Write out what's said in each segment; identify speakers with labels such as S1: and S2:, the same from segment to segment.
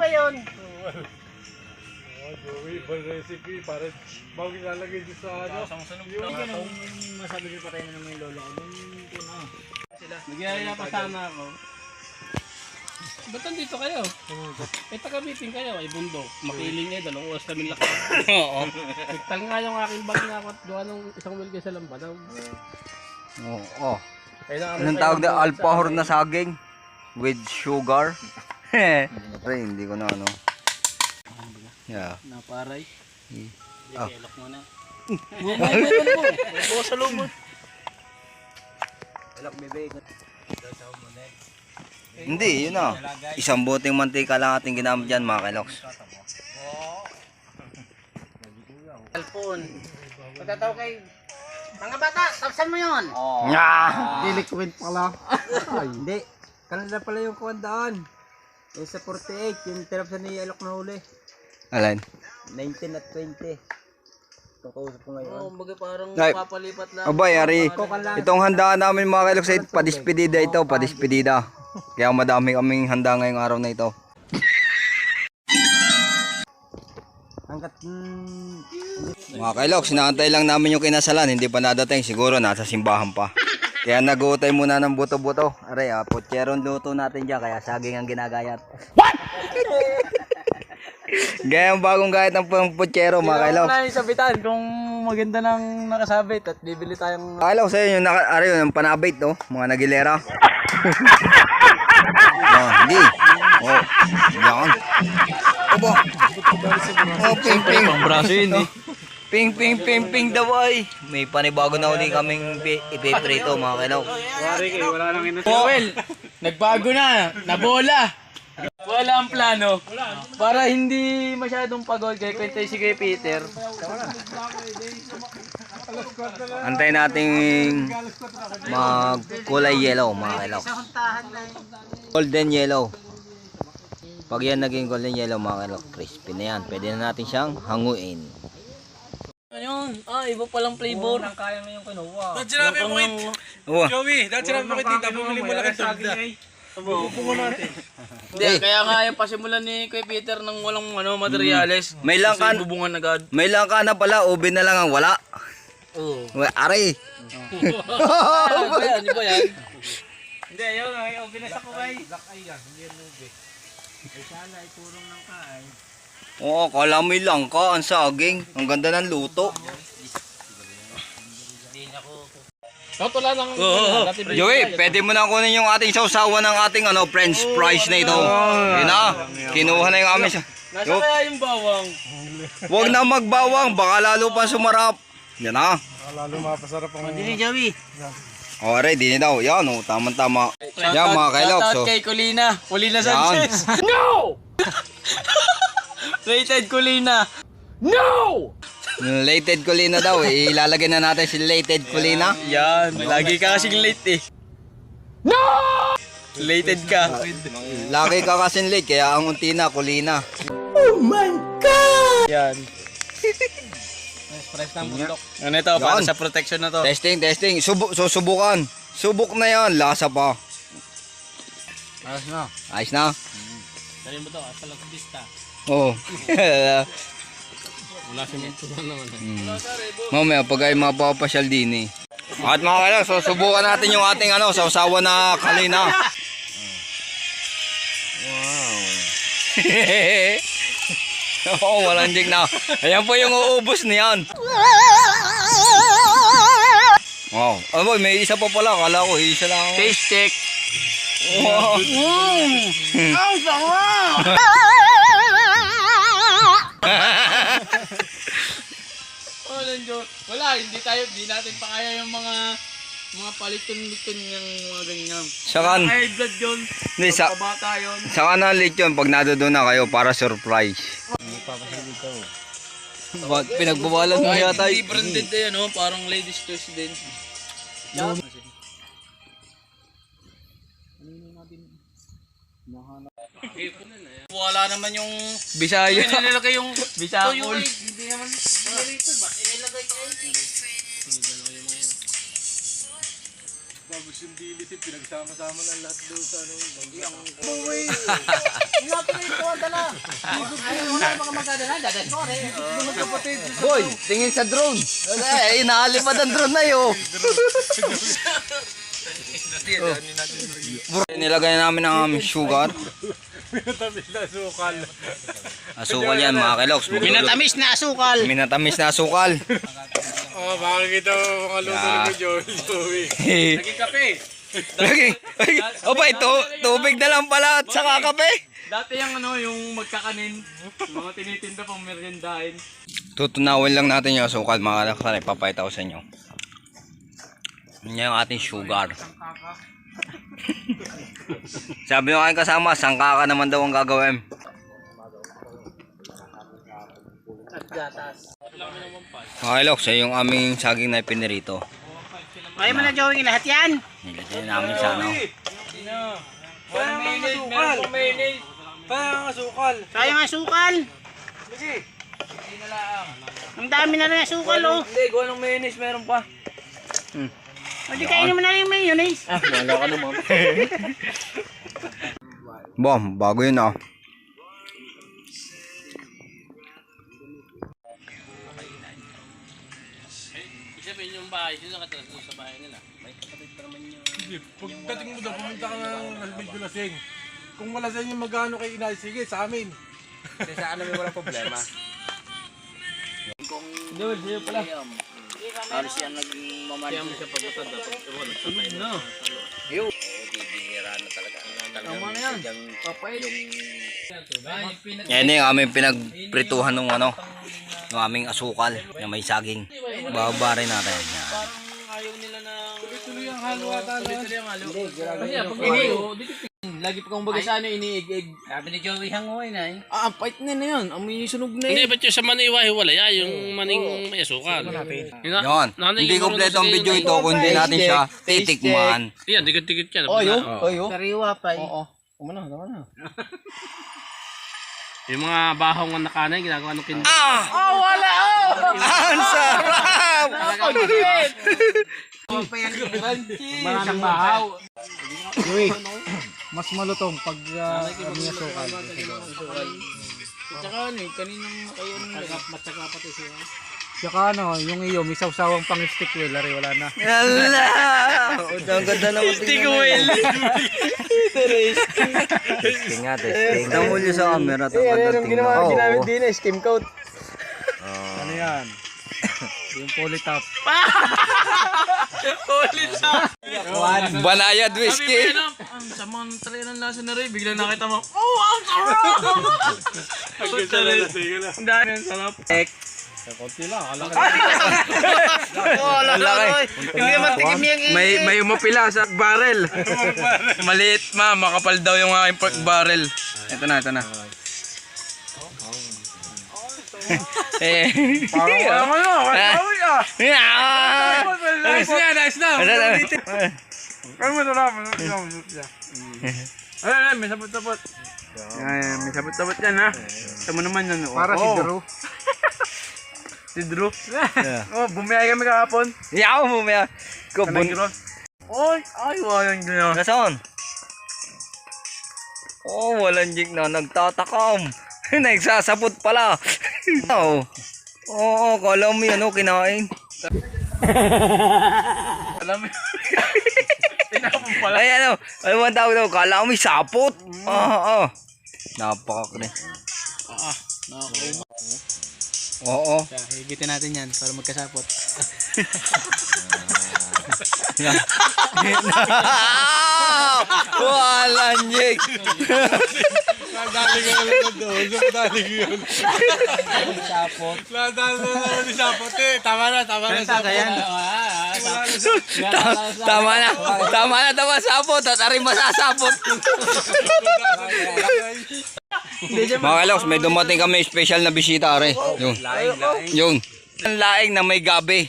S1: ba yun?
S2: Joey, ibang recipe para bago ilalagay dito sa ano.
S1: Yung ganun, masabi ko patay na naman yung lolo ko.
S3: Nagyaya pa sana ako. Ba't nandito kayo? Eh, taga-meeting kayo. Ay, bundok. Makiling eh. 2 oras kami lakad. Oo. Nagtal nga yung aking bag na ako at gawa ng isang wilga sa lambadaw.
S4: Oo. Anong tawag na? Alpahor na saging with sugar. Pero hindi ko na ano. Yeah.
S3: Naparay.
S4: Ah.
S3: Ilok mo na.
S1: Bukas sa lumot.
S4: Hindi, yun na. Isang boteng mantika lang ating ginamit dyan mga kailoks.
S1: Alpon. Pagkataw kay... Mga bata, tapsan mo yun.
S2: Diliquid pala. Hindi. Kanila pala yung kuwandaan. Yung sa 48, yung tinapsan ni Alok na huli.
S4: Alan?
S2: 19 at 20. Itong kausap ko ngayon.
S1: Oo, baga parang
S4: Ay.
S1: papalipat lang.
S4: Abay, Ari. Itong handaan namin mga kailoks ay padispedida ito, padispedida. Kaya madami kaming handa ngayong araw na ito.
S2: Hanggat
S4: Mga kailoks, inaantay lang namin yung kinasalan, hindi pa nadating, siguro nasa simbahan pa. Kaya nag-uutay muna ng buto-buto. Aray, putyeron luto natin dyan, kaya saging ang ginagayat. What? Gaya ang bagong gayat ng putyero mga kailoks.
S3: Wala yung sabitan kung maganda ng nakasabit at bibili tayong...
S4: Kailoks, ayun yung, yung panabait, no? Mga nagilera. Hindi. Oh, yan. Obo. Oh, ping ping.
S3: Pang braso yun eh.
S4: Ping ping ping ping daw ay. May panibago na uli kaming ipiprito mga kailaw.
S3: Wala nang ina. Well, nagbago na. Nabola. Wala ang plano. Para hindi masyadong pagod kay kwentay si kay Peter.
S4: Antay nating magkulay yellow mga kailaw. Golden yellow. Pag yan naging golden yellow mga kailaw, crispy na yan. Pwede na natin siyang hanguin.
S1: Ayun, iba palang flavor.
S3: Kaya ngayong kinuha.
S2: Dahil sinabi mo kay Joey, dahil sinabi mo kay tita, bumili mo lang ang tulda. Bubuko natin.
S3: Hindi, kaya nga yung pasimulan ni Kuya Peter ng walang materyales.
S4: May langkan.
S3: Kasi bubungan agad.
S4: May langka na pala, ube na lang ang wala.
S3: Oo.
S4: Aray.
S3: Ano ba yan? Ano ba yan?
S1: Hindi, ayun, binasa ko kay.
S4: Oo, kala mo yung langka, ang saging. Ang ganda ng luto.
S3: Totoo lang.
S4: Joey, pwede mo na kunin yung ating sausawan ng ating french fries na ito. Yun na, kinuha na yung aming
S3: Nasa kaya yung bawang?
S4: Huwag na magbawang, baka lalo pa sumarap. Yan na.
S2: Lalo mapasarap ang...
S1: Hindi, Joey.
S4: O, ready na daw. Yan, tama-tama. Yan mga kailoks.
S3: Shoutout kay Colina. Colina Sanchez. No! Rated Colina. No!
S4: Lated Colina daw. Ilalagay na natin si Lated Colina.
S3: Yan. Lagi ka kasing late eh. No! Lated ka.
S4: Lagi ka kasing late, kaya ang unti na, Colina.
S3: Yan. Express ng bundok. Ano ito? Para sa protection na to.
S4: Testing. Susubukan. Subok na yan. Lasa pa.
S3: Ayos na.
S4: Ayos na.
S3: Dali mo to. Hasta lang vista.
S4: Oo.
S3: Wala siya naman.
S4: Mamaya, pag ay mapapasyal din eh. At mga kailang, so subukan natin yung ating sausawa na kalina. Wow. Oo, walang jig na. Ayan po yung uubos niyan. Wow. Boy, may isa pa pala. Kala ko, isa lang.
S3: Taste check.
S4: Wow.
S1: Ang sama!
S3: Wala, hindi natin pa kaya yung mga paliton-liton yung mga ganyan.
S4: Sakan.
S3: High blood yun.
S4: Hindi,
S3: Pabata yun.
S4: saka na late yun pag nadoon na kayo para surprise. Pinagbawalan mo yata.
S3: Hindi branded na yan, parang ladies choice din. Wala naman yung Bisaya. Hindi nilagay yung Bisaya.
S1: Hindi naman nilito ba? Inilagay kay
S5: yung dilis, pinagsama-sama ng lahat doon sa ano.
S4: Boy, tingin sa drone. Eh, inaalipad ang drone na yun. Nilagay namin ang aming sugar.
S5: Pinatamis na sukal.
S4: Asukal yan mga kiloks.
S1: Minatamis na asukal.
S4: Minatamis na asukal.
S5: Oh, makikita mo mga luto ni Joey.
S3: Naging kape.
S4: Lagi. Opa, ito, tubig na lang pala at saka kape.
S3: Dati yung ano, yung magkakanin, mga tinitinda pang meriendahin.
S4: Tutunawin lang natin yung asukal mga kiloks. Ipapahita ko sa inyo. Yan yung ating sugar. Sabi nyo aking kasama, sangkaka naman daw ang gagawin. Mga kiloks, yung aming saging na ipinirito.
S1: Kaya mo na Joey lahat yan.
S4: Nilagyan namin sa ano.
S1: Sayang asukal. Ang dami na rin asukal oh.
S3: Hindi, gawa ng mayonnaise, meron pa.
S1: O di kainin mo na rin yung mayonnaise.
S3: Wala ka naman.
S4: Bom, bago yun ah.
S3: Sabihin yung bahay, sino nakatira sa bahay nila? May kapatid pa naman yung...
S5: Hindi, pagdating mo daw, pumunta ka ng medyo lasing. Kung malasing yung magano kay inay, sige, sa amin.
S2: Kasi sa amin walang problema.
S3: Dol, sa'yo pala.
S1: Ano siya nagmamahal?
S3: Kaya mo siya pagbatad, dapat iwan, nagsabay na.
S2: Bibihira na talaga.
S3: Tama na yan. Papait.
S4: Yan yung aming pinagprituhan ng ano, ng aming asukal na may saging. Babarin natin. Yan.
S3: Parang ayaw nila ng...
S5: Tuloy ang halo ata na.
S3: Tuloy ang halo. Kasi pag iniyo, lagi pa kung baga sa ano, iniig-ig.
S1: Sabi ni Joey hangoy na eh.
S3: Ang pait na yun. Amoy sunog na yun.
S6: Hindi, ba't yung sa maniwa-hiwala? Yung maning may asukal.
S4: Yon. Hindi kompleto ang video ito kung hindi natin siya titikman.
S6: Yan, dikit-dikit yan.
S1: Sariwa pa eh.
S3: Oo. Kumana, kumana.
S6: Yung mga bahong na kanay, ginagawa ng kin...
S4: Ang sarap!
S3: Maraming bahaw.
S5: Mas malutong pag kami sukal.
S3: Tsaka ano eh, kaninang kayo matyaga pati siya.
S5: Saka ano, yung iyo, may sawsawang pang stick wheel, ari, wala na.
S4: Yala! Ang ganda naman tingnan mo. Testing nga, testing. Namuli sa camera. Ang ginawa ginamit din
S2: eh, skim coat.
S5: Ano yan? Yung polytop.
S4: Banayad whiskey.
S3: Ang sama ng tray ng lasa na rin, bigla nakita mo, oh, ang sarap! Ang dami ang sarap.
S5: Konti lang, alam
S1: Hindi naman tikim yung
S2: May umapila sa barrel. Maliit ma, makapal daw yung aking pork barrel. Ito na, ito na.
S4: Parang ano,
S5: Nice na, nice na. Ano mo ito na? Ay, may sabot-sabot.
S2: May sabot-sabot yan ha. Ito mo naman yan.
S5: Para si Drew.
S2: Si Drew. Oh, bumiyay kami kahapon.
S4: Yaw mo may kubun.
S2: Ay, walang ganyan.
S4: Nasaan? Oh, walang jig na nagtatakam. Nagsasapot pala. Oo. Oo, kala mo yan, oh, kinain.
S2: Alam mo. Tinapon pala.
S4: Ay, ano, ano man tawag daw, kala mo may sapot. Oo. Napakakre. Oo.
S3: Higitin natin yan para magkasapot.
S4: Walang jig.
S5: Nadali ka naman doon. Nadali ka yun.
S3: Sapot.
S5: Nadali na naman ni Sapot eh. Tama na, tama na.
S4: Tama na. Tama na daw sapot at aring masasapot. Mga kaloks, may dumating kami special na bisita are. Yung laing na may gabi.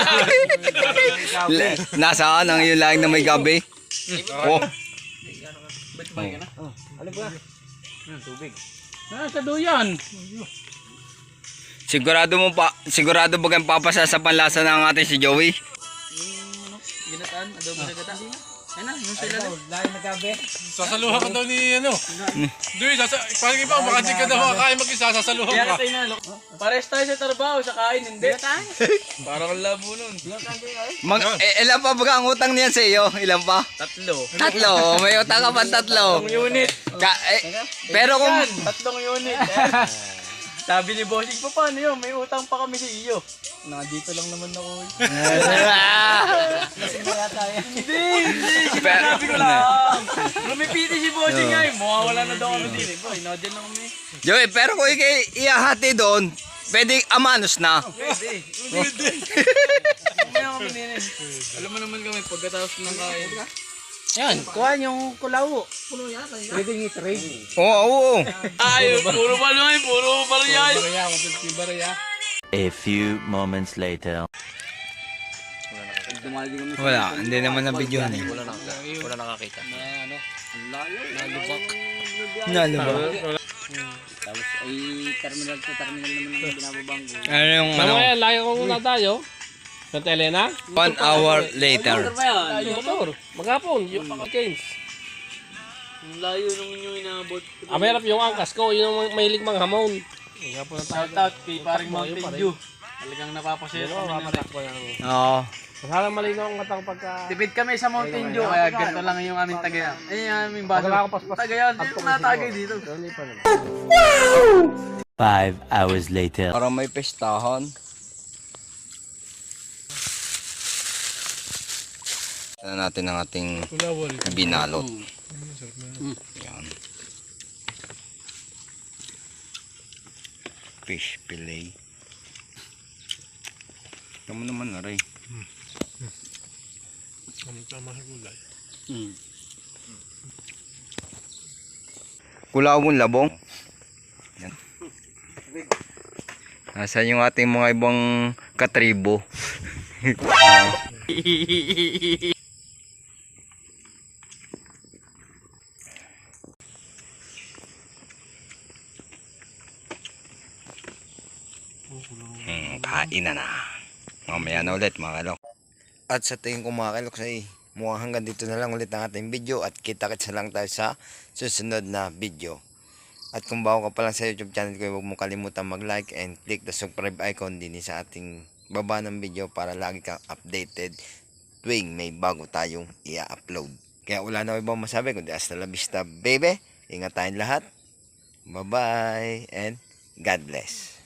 S4: Nasaan ang yung laing na may gabi? Oh.
S3: Nasa duyan.
S4: Sigurado ba kang papasa sa panlasa ng ating si Joey?
S3: Ginataan, adobo sa gata.
S1: Ayun na, yung sila na.
S2: Lain na gabi.
S5: Sasaluhan ka daw ni ano. Doy, parang iba, baka di ka daw makakain mag-isa, sasaluhan
S1: Kaya
S5: ka.
S1: tayo na, pares tayo sa trabaho, sa kain, hindi.
S5: Parang ang labo nun.
S4: Ilan pa ba ang utang niyan sa iyo? Ilan pa? Tatlo. May utang ka pa tatlo.
S1: Unit.
S4: Pero kung...
S1: Tatlong unit. Sabi ni Bossing po, paano yun? May utang pa kami sa iyo. Nandito lang naman ako. Lasing na yata yan. Hindi. Sinasabi ko lang. Lumipiti si Bossing nga. Mawawala na daw kami din. Boy, nodyan lang kami.
S4: Joey, pero kung iahati doon, pwedeng amanos na.
S1: Pwede. Mamaya kami din. Alam mo naman kami, pagkatapos ng kain. Yan, kuha yung kulawo.
S2: Pwede nga trade.
S4: Oo.
S6: Ay, puro balay, puro barya.
S7: A few moments later.
S4: Wala, hindi naman na video eh.
S6: Wala nakakita.
S4: Nalubak.
S1: Tapos ay terminal to terminal naman ang binababang.
S4: Ano yung
S6: Mamaya, lagi ko muna tayo. Santa Elena?
S4: 1 hour later.
S6: Yung motor. Maghapon, yung Keynes.
S1: Ang layo nung inyo inabot.
S6: Mahirap yung angkas ko, yun ang mahilig manghamon. Maghapon na tayo.
S1: Shout out kay paring Mountain Dew. Talagang napapasaya kami na.
S6: Mapatak ko yan.
S4: Oo.
S6: Masalang malinaw ang katang pagka...
S1: Tipid kami sa Mountain Dew, kaya ganito lang yung aming tagayan. Ay, yung aming baso.
S6: Wala akong paspas.
S1: Tagayan, hindi na natagay dito.
S7: 5 hours later.
S4: Para may pestahan. Ano natin ang ating binalot. Yan. Fish fillet. Tama naman na rin.
S5: Tama sa gulay.
S4: Kulawon labong. Yan. Nasaan yung ating mga ibang katribo? Kain na. Mamaya na ulit mga kalok. At sa tingin ko mga kalok mukhang hanggang dito na lang ulit ang ating video at kita-kits na lang tayo sa susunod na video. At kung bago ka pa lang sa YouTube channel ko, huwag mo kalimutan mag-like and click the subscribe icon din sa ating baba ng video para lagi kang updated tuwing may bago tayong i-upload. Kaya wala na ibang masabi kundi hasta la vista baby. Ingat tayong lahat. Bye bye and God bless.